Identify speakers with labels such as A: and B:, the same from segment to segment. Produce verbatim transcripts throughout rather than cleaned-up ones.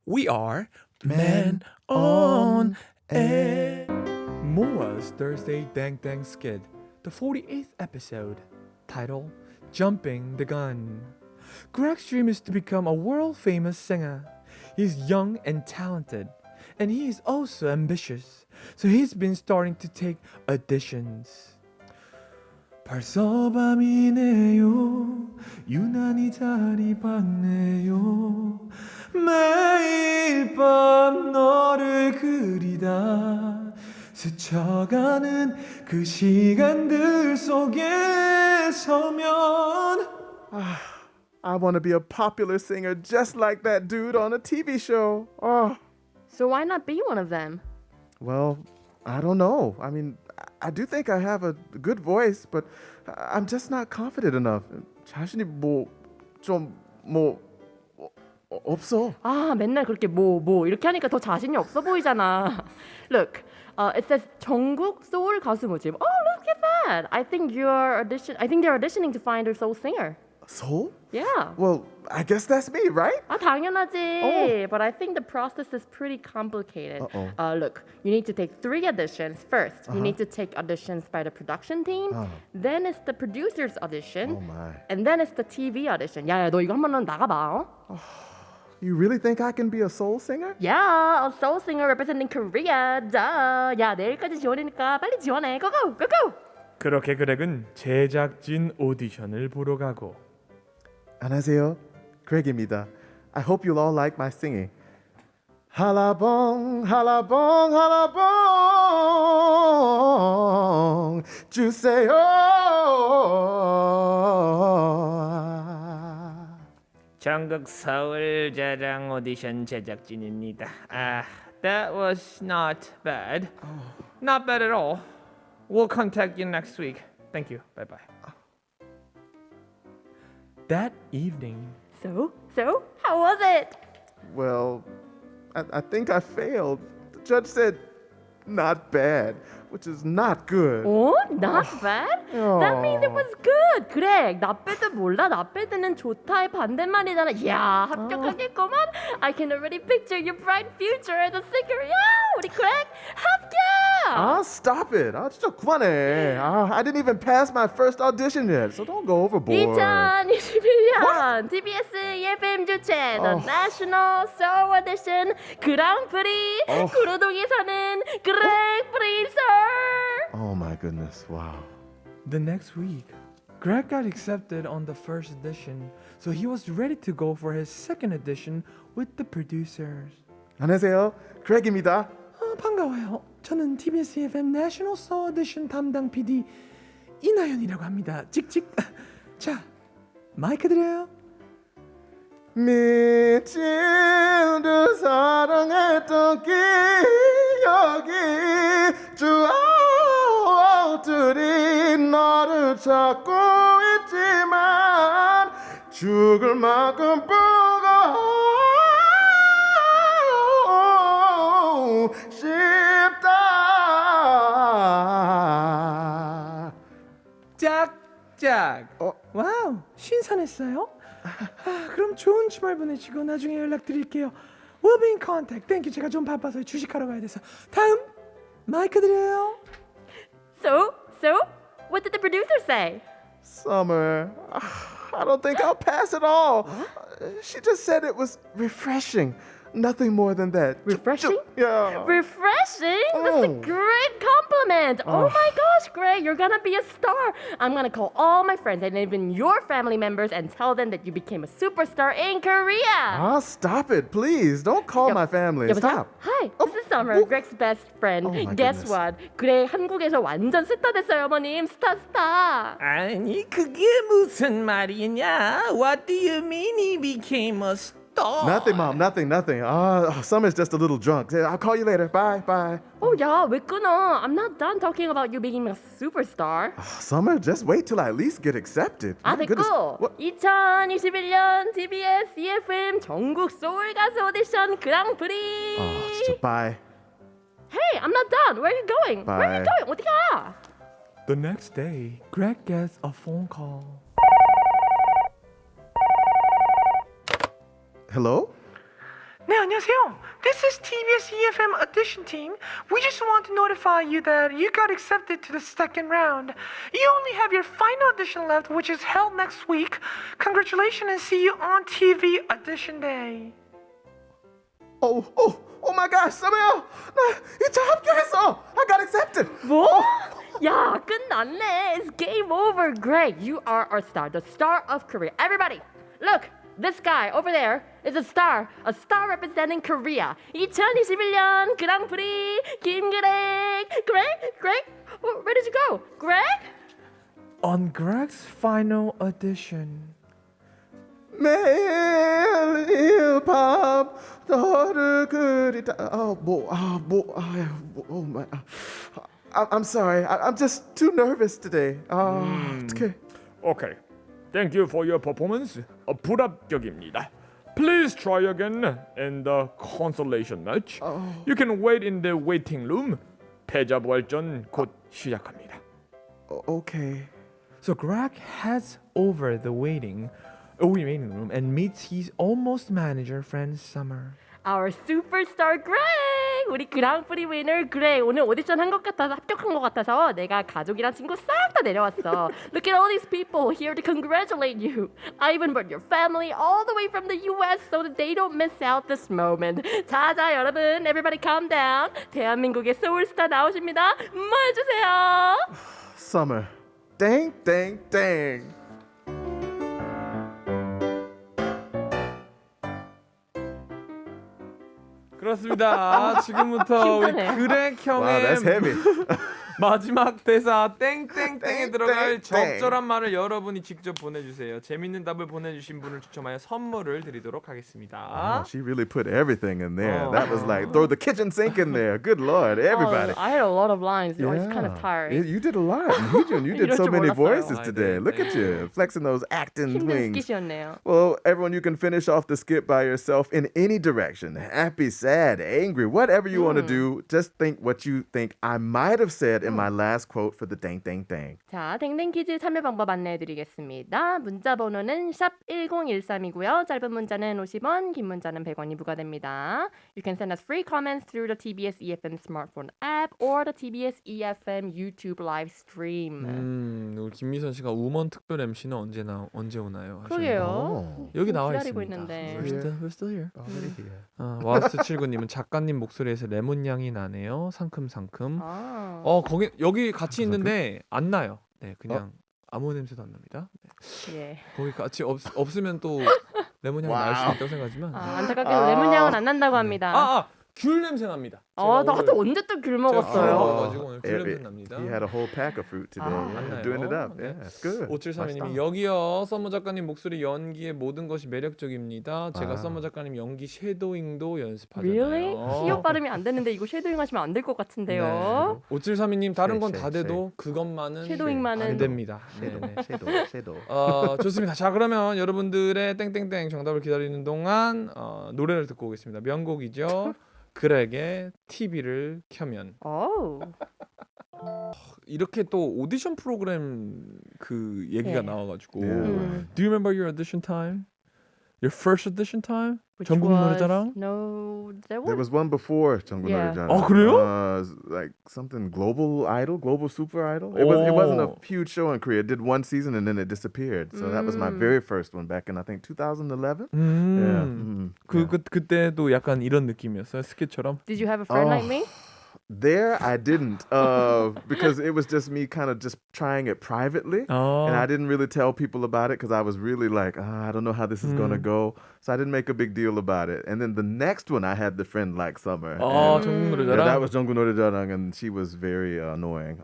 A: We are Men on Air. Moa's Thursday Dang Dang Skid, the forty-eighth episode, title Jumping the Gun. Greg's dream is to become a world famous singer. He's young and talented, and he is also ambitious, so he's been starting to take auditions. 벌써 밤이네요. 유난히 달이 밝네요. 매일 밤 너를 그리다 스쳐가는 그 시간들 속에 서면
B: I want to be a popular singer just like that dude on a T V show. Oh,
C: So why not be one of them?
B: well, I don't know. I mean, I do think I have a good voice, but I'm just not confident enough. 자신이 뭐좀뭐 없어.
C: 아, 맨날 그렇게 뭐, 뭐 이렇게 하니까 더 자신이 없어 보이잖아. Look, uh, it says 전국 소울 가수 모집. Oh, look at that. I think you're audition. I think they're auditioning to find a soul singer.
B: So?
C: Yeah.
B: Well, I guess that's me, right?
C: 아, 당연하지.
B: Oh.
C: But I think the process is pretty complicated.
B: Uh-oh.
C: Uh, look, you need to take three auditions. First, you need to take auditions by the production team.
B: Uh.
C: Then it's the producer's audition.
B: Oh my.
C: And then it's the T V audition. 야, 야, 너 이거 한번 나가봐. 어?
B: You really think I can be a soul singer?
C: Yeah, a soul singer representing Korea. Duh. 야, 내일까지 지원이니까 빨리 지원해. Go go, go go.
A: 그렇게 그렉은 제작진 오디션을 보러 가고
B: 안녕하세요. Craig입니다. I hope you'll all like my singing. 할라봉 할라봉 할라봉 주세요.
D: 전국 서울 자랑 오디션 제작진입니다. Ah, that was not bad. Not bad at all. We'll contact you next week. Thank you. Bye bye.
A: That evening,
C: So, so, how was it?
B: Well, I, I think I failed. The judge said not bad, which is not good.
C: Oh, not bad? That means it was good. 그래, not bad도 몰라. not bad는 좋다의 반대말이잖아. 야, 합격하겠구만. I can already picture your bright future as a singer. 야, 우리 그렉 합격!
B: Ah, stop it. 아, 진짜 그만해. Ah, I didn't even pass my first audition yet, so don't go overboard.
C: 이천이십일 년 티비에스 이에프엠 주최 The
B: 어.
C: National Soul Audition 그랑프리
B: 어.
C: 구로동에 사는 그렉 프리서.
B: Oh my goodness. Wow.
A: the next week, Greg got accepted on the first audition, so he was ready to go for his second audition with the producers.
B: 안녕하세요. Craig입니다.
A: 아, 반가워요. 저는 티비에스 에프엠 내셔널 소울 오디션 담당 피디 이나연이라고 합니다. 찍찍. 자, 마이크 드려요.
B: 미친 듯 사랑했던 기억이 추억들이 너를 찾고 있지만 죽을 만큼 보고 싶다.
A: 짝짝.
B: 어?
A: 와우, 신선했어요. 아, 그럼 좋은 주말 보내시고 나중에 연락드릴게요. We'll be in contact. Thank you. 제가 좀 바빠서 주식하러 가야 돼서. 다음 마이크 드려요.
C: So, so, what did the producer say?
B: Summer, I don't think I'll pass at all. She just said it was refreshing. Nothing more than that. Ju- ju-
C: Refreshing?
B: Yeah.
C: Refreshing? That's a
B: Oh.
C: great compliment. Oh my gosh, Greg, you're gonna be a star. I'm gonna call all my friends and even your family members and tell them that you became a superstar in Korea.
B: Ah, stop it, please. Don't call my family.
C: 여보세요?
B: Stop.
C: Hi,
B: 어,
C: this is Summer,
B: 뭐?
C: Greg's best friend.
B: Oh my
C: Guess
B: goodness.
C: what? 그래, 한국에서 완전 스타 됐어요, 어머님. 스타 스타.
D: 아니 그게 무슨 말이냐? What do you mean he became a star?
B: Nothing, Mom. Nothing, nothing. Ah, Summer's just a little drunk. I'll call you later. Bye, bye.
C: 어, 야, 왜 끊어? I'm not done talking about you being a superstar.
B: Summer, just wait till I at least get accepted.
C: 아,
B: My goodness.
C: 됐고.
B: What?
C: 이천이십일 년 티비에스 이에프엠 전국 소울 가수 오디션 그랑프리.
B: 아, 진짜 bye.
C: Hey, I'm not done. Where are you going? Where are you
B: Bye.
C: going? 어디 가?
A: The next day, Greg gets a phone call.
B: Hello?
A: 네, 안녕하세요. This is 티비에스 이에프엠 audition team. We just want to notify you that you got accepted to the second round. You only have your final audition left, which is held next week. Congratulations and see you on T V audition day.
B: Oh, oh, oh my gosh, 서머야, 나 이차 합격했어. I got accepted.
C: 뭐? 야, 끝났네. It's game over. Greg, you are our star, the star of Korea. Everybody, look. This guy over there is a star, a star representing Korea. 이천이십일 년 그랑프리 김그렉. Greg? Greg? Where did you go? Greg?
D: On Greg's final audition.
B: 매일 일밤 너를 그리다. 어, 뭐, 아, 뭐, 아, 뭐, oh my. I, I'm sorry. I, I'm just too nervous today. 아, 어떡해.
D: Okay. Thank you for your performance. 어, 불합격입니다. Please try again in the consolation match. You can wait in the waiting room. 패자 부활전 곧 시작합니다.
B: 어, okay.
D: So Greg heads over the waiting, uh, waiting room and meets his almost manager friend Summer.
C: Our superstar Greg! 우리 그랑프리 위너 Greg. 오늘 오디션 한 것 같아서 합격한 것 같아서 내가 가족이랑 친구 싹 다 내려왔어. Look at all these people here to congratulate you. I even brought your family all the way from the U S so that they don't miss out this moment. 자자 여러분, everybody calm down. 대한민국의 소울스타 나오십니다. 모여주세요.
B: Summer. Dang, dang, dang.
D: 그렇습니다. 지금부터 우리
C: 힘드네요.
D: 그렉
B: Wow,
D: 형의
B: that's heavy.
D: 마지막 대사 땡땡땡에
B: 땡,
D: 들어갈
B: 땡, 땡.
D: 적절한 말을 여러분이 직접 보내주세요. 재밌는 답을 보내주신 분을 추첨하여 선물을 드리도록 하겠습니다.
B: Oh, she really put everything in there.
D: Oh.
B: That was like throw the kitchen sink in there. Good lord, everybody.
C: Oh, I had a lot of lines. I was kind of
B: Yeah.
C: tired.
B: You did a lot. Hyujin, you did
C: 이럴
B: so
C: 줄
B: many
C: 몰랐어요.
B: voices
D: I
B: today.
D: did.
B: Look at you, flexing those acting
C: 힘든
B: wings.
C: 스킷이었네요.
B: Well, everyone, you can finish off the skit by yourself in any direction. Happy, sad, angry, whatever you want to do. Just think what you think I might have said in my last quote for the dang, dang, dang.
C: 자, 댕댕 퀴즈 참여 방법 안내해드리겠습니다. 문자 번호는 샵 일공일삼이고요. 짧은 문자는 오십 원, 긴 문자는 백 원이 부과됩니다. You can send us free comments through the 티비에스 이에프엠 smartphone app or the 티비에스 이에프엠 YouTube live stream.
D: 음, 우리 김미선 씨가 우먼 특별 엠씨는 언제 나 언제 오나요?
C: 그러게요.
B: Oh.
D: 여기 나와
C: 기다리고
D: 있습니다.
C: 있는데.
D: We're still, we're still here.
B: Already here.
D: 어, 와스칠구님은 작가님 목소리에서 레몬 향이 나네요. 상큼상큼.
C: 아,
D: 어 거기 여기 같이 있는데 안 나요. 네, 그냥 아무 냄새도 안 납니다. 네.
C: 예.
D: 거기 같이 없, 없으면 또 레몬 향이 날 수
B: 와우.
D: 있다고 생각하지만.
C: 아,
D: 아,
C: 안타깝게도 레몬 향은 안 난다고 합니다.
D: 아, 귤 냄새 납니다.
C: 어,
D: 제가
C: 나도
D: 오늘-
C: 언제 또 귤
D: 제가
C: 먹었어요.
D: 귤 먹어가지고 오늘 귤
B: It-
D: 냄새
B: it-
D: 납니다.
B: He had a whole pack of fruit today.
C: 아,
B: yeah,
D: 맞나요?
B: doing it up.
D: 네.
B: Yeah, it's good.
D: 오칠삼이님이
B: 맛있다.
D: 여기요 썸머 작가님 목소리 연기의 모든 것이 매력적입니다. 제가
B: 아.
D: 썸머 작가님 연기 섀도잉도 연습하잖아요.
C: Really? 시옷 발음이 안 되는데 이거 쉐도잉 하시면 안 될 것 같은데요.
D: 네. 오칠삼이님 다른 건
B: 쉐,
D: 다
B: 쉐,
D: 돼도 그것만은
C: 쉐도잉만은
D: 안 됩니다.
B: Shadow,
D: 네네.
B: shadow, shadow.
D: 어, 좋습니다. 자 그러면 여러분들의 땡땡땡 정답을 기다리는 동안 어, 노래를 듣고 오겠습니다. 명곡이죠. 그렉의 티비를 켜면.
C: 오.
D: 이렇게 또 오디션 프로그램 그 얘기가
C: 네.
D: 나와가지고
B: Yeah.
C: 음.
D: Do you remember your audition time? Your first audition time?
C: Which
D: 전국
C: was-
D: 노래자랑?
C: No, there
B: There
C: was
B: was one before 전국
C: Yeah.
B: 노래자랑.
D: 어, 그래요?
B: Uh, like something global idol, global super idol. It was. It wasn't a
D: Oh.
B: huge show in Korea. It did one season and then it disappeared. So that was my
C: Mm.
B: very first one back in I think twenty eleven.
D: 음.
B: Yeah. mm,
D: 그,
B: yeah.
D: 그 그때도 약간 이런 느낌이었어요. 스케처럼.
C: Did you have a friend
B: Oh.
C: like me?
B: There I didn't uh, because it was just me kind of just trying it privately.
D: 어.
B: And I didn't really tell people about it because I was really like, ah, I don't know how this is gonna go. So I didn't make a big deal about it. And then the next one, I had the friend like Summer.
D: 어,
B: And,
D: 전국
B: yeah,
D: 노래자랑.
B: that was 정구 노래자랑, and she was very uh, annoying.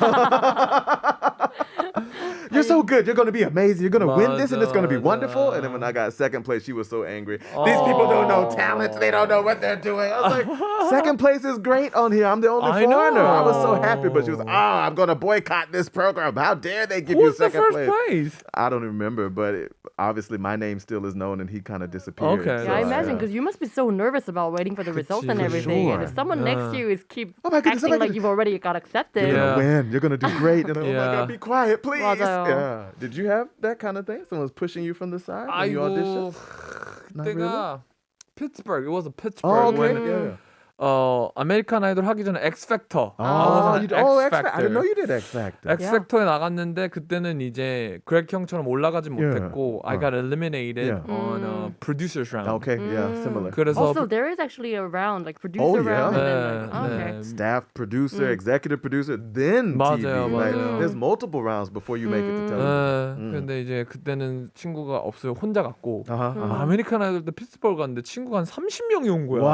B: Uh, You're so good. You're gonna be amazing. You're gonna win this, and it's gonna be
D: 맞아,
B: wonderful. And then when I got second place, she was so angry. These people don't know talent. They don't know what they're doing. I was like, second place is great on here. I'm the only
D: I
B: foreigner. I was so
D: know.
B: happy, but she was, oh, I'm gonna boycott this program. How dare they give
D: Who's
B: you
D: the
B: second
D: first
B: place?
D: place?
B: I don't remember, but it, obviously my name still is known, and he kind of disappeared.
D: Okay.
B: so,
C: Yeah, I
D: So,
C: imagine
B: yeah.
C: because you must be so nervous about waiting for the results and
D: for
C: everything. And if
B: sure.
C: someone next to
D: Yeah.
C: you is keep
B: Oh my goodness, oh
C: acting
B: my
C: like
B: goodness.
C: you've already got accepted.
B: You're
D: Yeah.
B: gonna win. You're gonna do great. And, oh my
D: Yeah.
B: God, be quiet, please.
C: 맞아요.
B: Yeah. Did you have that kind of thing? Someone's pushing you from the side when you audition?
D: 아이고
B: Not
D: 그때가
E: Pittsburgh. It was a
B: Oh,
E: Pittsburgh
B: okay.
E: when
B: yeah.
E: 어 아메리칸 아이돌 하기 전에 X Factor. I was
B: Oh,
E: on
B: you, oh,
E: X
B: X Factor. I didn't know
E: Factor.
B: you did X Factor.
E: X Factor에 나갔는데 그때는 이제 그렉 형처럼 올라가지
B: Yeah.
E: 못했고 I
B: Uh.
E: got eliminated
B: Yeah.
E: on uh, producers round.
B: Okay, yeah, similar.
E: 그래서
C: Also, there is actually a round like producer
B: Oh, yeah?
C: round and then
E: 네,
C: like oh, okay.
E: 네.
B: Staff producer, executive producer, then T V.
E: 맞아요,
B: Like,
E: 맞아요.
B: there's multiple rounds before you make it to television.
E: 네, 근데 이제 그때는 친구가 없어요. 혼자 갔고
B: Uh-huh, uh-huh.
E: 아메리칸 아이돌 때 피츠버그 갔는데 친구가 한 삼십 명이 온 거야.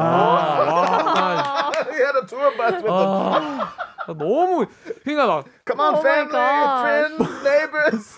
B: Wow. he had a tour bus with him.
E: 아, 아, 너무 그러니까 막
B: Come on,
C: Oh my
B: family,
C: gosh.
B: friends, neighbors.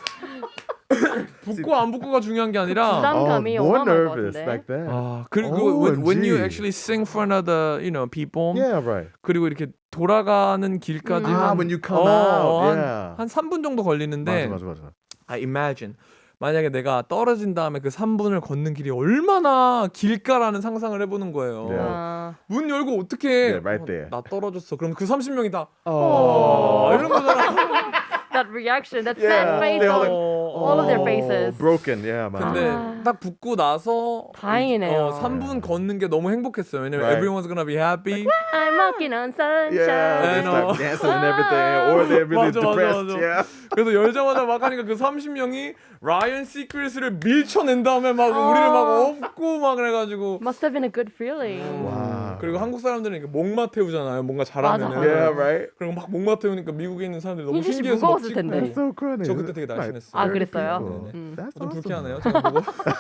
E: 붙고 안 붙고가 중요한 게 아니라
C: 부담-
B: Oh,
C: 감이
B: more
C: 어마어마할 것
B: nervous
C: 같은데.
B: back then.
E: 아 그리고
B: O
E: when, when you
B: M G.
E: actually sing for another you know people
B: Yeah, right.
E: 그리고 이렇게 돌아가는 길까지
B: 아,
E: 한,
B: when you come
E: 어,
B: out,
E: 한,
B: yeah.
E: 한 삼 분 정도 걸리는데
B: 맞아, 맞아, 맞아.
E: I imagine 만약에 내가 떨어진 다음에 그 삼 분을 걷는 길이 얼마나 길까라는 상상을 해보는 거예요.
B: Yeah.
C: 아,
E: 문 열고 어떻게
B: Yeah, right there.
E: 나 떨어졌어. 그럼 그 삼십 명이 다
B: Oh.
E: 어, 이런 거잖아.
C: that reaction, that
B: Yeah,
C: sad face
B: they all
C: on
B: like-
C: all of their faces.
B: broken, yeah, man.
E: 근데
C: 아.
E: 딱 붙고 나서
C: 다행이네요.
E: 어, 삼 분 걷는 게 너무 행복했어요. 왜냐면
B: Right.
E: everyone's gonna be happy.
C: I'm walking on sunshine.
B: Yeah, they
E: I
B: start
E: know.
B: dancing and everything, or they're really
E: 맞아, 맞아,
B: depressed.
E: 맞아.
B: Yeah.
E: 그래서 열자마자 막 하니까 그 삼십 명이 라이언 시크릿을 밀쳐낸 다음에 막 우리를 막 업고 막 그래가지고
C: Must have been a good feeling.
B: Wow.
E: 그리고 한국 사람들은 이렇게 목마 태우잖아요. 뭔가 잘하면은.
C: 맞아.
B: Yeah, right.
E: 그리고 막 목마 태우니까 미국에 있는 사람들이 너무
C: 희진 씨
E: 신기해서 막
C: 무거웠을
E: 찍고.
C: 텐데.
B: That's so funny.
E: 저 그때 되게
B: Like,
E: 날씬했어요.
C: 아,
B: thirty
C: 그랬어요?
B: people.
C: 음.
B: That's
E: 좀
B: awesome.
E: 불쾌하네요. 제가 무거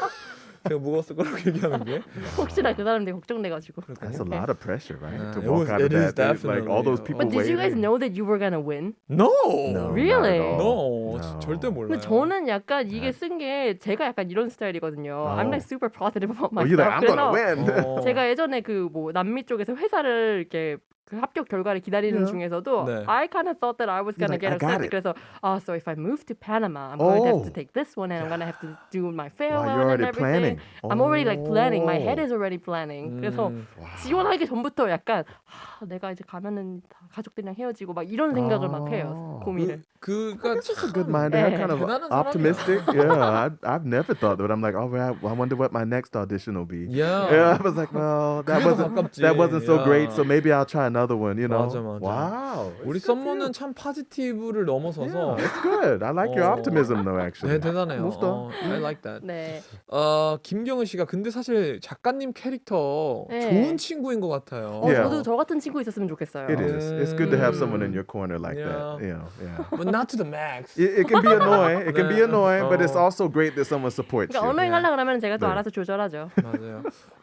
E: 제가 무거웠을 거라고 얘기하는 게.
C: 혹시나 그 사람들이 걱정돼가지고.
B: That's a lot of pressure, right?
E: Yeah,
B: to
E: it
B: walk
E: was-
B: out of
E: it is
B: that, they- like all those
E: definitely.
B: people
C: But did you guys
B: waiting.
C: know that you were gonna win?
E: No.
B: No,
C: Really?
B: not at all.
E: No.
B: No.
E: 절대 몰라요.
C: 근데 저는 약간 이게 쓴 게 제가 약간 이런 스타일이거든요. I'm like super positive about
B: Oh,
C: myself.
B: you're like, I'm gonna
C: 그래서
B: win.
E: 어.
C: 제가 예전에 그 뭐 남미 쪽에서 회사를 이렇게 그 합격 결과를 기다리는
B: Yeah.
C: 중에서도
E: 네.
C: I kind of thought that I was
B: You're
C: gonna
B: like,
C: get
B: I got
C: accepted.
B: it.
C: 그래서 ah, so if I move to Panama, I'm going to have to
B: Oh.
C: take this one and I'm gonna have to do my
B: Wow,
C: farewell
B: you're
C: and
B: already
C: everything.
B: planning.
C: I'm already like planning. My head
B: Oh.
C: is already planning. 그래서
E: 음.
C: 지원하기 전부터 약간 하, 내가 이제 가면은 다 가족들이랑 헤어지고 막 이런 생각을 막 해요.
B: 아.
C: 고민을.
E: 그 그가
B: That's a good mind. They're
C: Yeah.
B: kind of
E: 대단한
B: optimistic. Yeah, I, I've never thought that. I'm like, oh, well, I wonder what my next audition will be.
E: Yeah.
B: Yeah, I was like, well, that
E: 그래도
B: wasn't
E: 가깝지.
B: that wasn't so great.
E: Yeah.
B: So maybe I'll try another one. You know.
E: 맞아, 맞아.
B: Wow.
E: 우리
B: it's good for you.
E: 썸머는 참 파지티브를 넘어서서
B: Yeah, it's good. I like your
E: 어.
B: optimism though.
E: 네,
B: Actually.
E: 대단해요.
B: 멋있다.
E: 어, I like that.
C: 네.
E: 어, 김경은 씨가 근데 사실 작가님 캐릭터
C: 네.
E: 좋은 친구인 것 같아요.
C: 어,
B: Yeah.
C: 저도 저 같은 친구 있었으면 좋겠어요.
B: It is. It's good to have
E: Mm.
B: someone in your corner like
E: Yeah.
B: that. You know. Yeah.
E: But not to the max.
B: It, it can be annoying. It can be
E: 네.
B: annoying, but it's
E: 어.
B: also great that someone supports
C: 그러니까
B: you.
C: 언어행 하려고 하면 제가 또
B: 네.
C: 알아서 조절하죠.
E: 맞아요.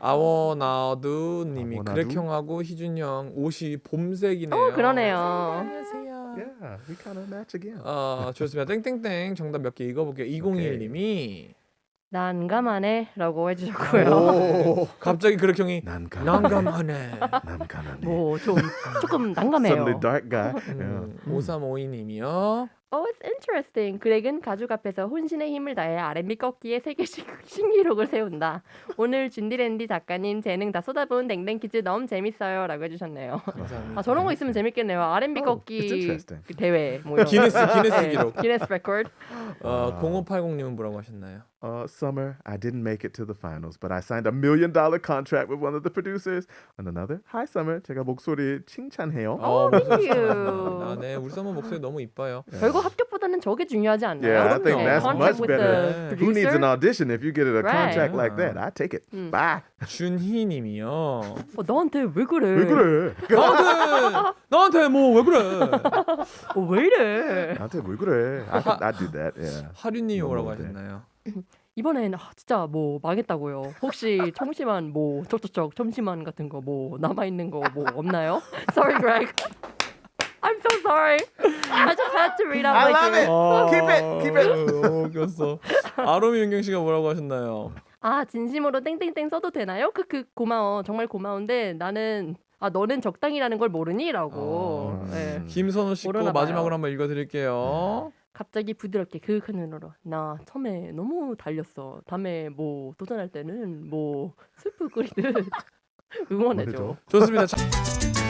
E: 아워나두 님이
B: 아워나두?
E: 그렉 형하고 희준 형 옷이 봄색이네요.
C: 어, 그러네요.
E: 안녕하세요.
B: Yeah, we kind of match again.
E: 어, 좋습니다. 땡땡땡 정답 몇 개 읽어볼게요. 이공이일 님이
C: 난감하네라고 해주셨고요.
B: Oh,
E: 갑자기 그렉 형이
B: 난감.
E: 난감하네.
B: 난감하네.
C: 뭐 좀 조금 난감해요.
B: Suddenly dark guy. Yeah.
E: 음, 오삼오이 님이요.
C: Oh, it's interesting. 그렉은 가족 앞에서 혼신의 힘을 다해 알앤비 꺾기에 세계 시- 신기록을 세운다. 오늘 준디랜디 작가님 재능 다 쏟아부은 댕댕 퀴즈 너무 재밌어요라고 해주셨네요.
E: 감사합니다.
C: 아 저런 거 있으면 재밌겠네요. 알앤비
B: Oh, it's
C: 꺾기
B: interesting.
C: 그 대회 뭐 이런. 거.
E: 기네스 기네스
C: 네,
E: 기록.
C: 기네스 레코드.
E: 어, 공오팔공 님은 뭐라고 하셨나요?
B: Uh, summer, I didn't make it to the finals, but I signed a million dollar contract with one of the producers. And another, hi Summer, 제가 목소리 칭찬해요.
E: 어,
C: thank
E: 무슨
C: you.
E: 아, 네, 우리 썸머 목소리 너무 이뻐요.
C: 결국 합격보다는 저게 중요하지 않나요?
B: Yeah, I think
E: 그럼요.
B: that's
C: Contract
B: much
C: with
B: better.
C: the
B: Who needs an
C: producer?
B: audition if you get a
C: Right.
B: contract like that? I take it.
C: 음.
B: Bye.
E: 준희 님이요.
C: 어, 너한테 왜 그래?
B: 왜 그래?
E: 나한테 나한테 뭐 왜 그래?
C: 어, 왜 이래?
B: 나한테 왜 그래? I could, I do that. Yeah.
E: 하륜 님이
B: 너무
E: 뭐라고
B: 네.
E: 하셨나요?
C: 이번엔 아, 진짜 뭐 망했다고요. 혹시 청심환 뭐 쩍쩍쩍 청심환 같은 거 뭐 남아 있는 거 뭐 없나요? Sorry, Greg. I'm so sorry. I just had to read out
B: I
C: like
B: love
C: you.
B: it. Keep it, keep it.
E: 너무 웃겼어. 아로미 윤경 씨가 뭐라고 하셨나요?
C: 아 진심으로 땡땡땡 써도 되나요? 크크 고마워. 정말 고마운데 나는 아 너는 적당이라는 걸 모르니라고.
E: 어.
C: 네.
E: 김선호 씨 거
C: 모르나 봐요.
E: 마지막으로 한번 읽어드릴게요.
C: 갑자기 부드럽게 그윽한 눈으로 나 처음에 너무 달렸어. 다음에 뭐 도전할 때는 뭐 스프 끓이듯 응원해줘.
B: 응원해줘.
E: 좋습니다. 자,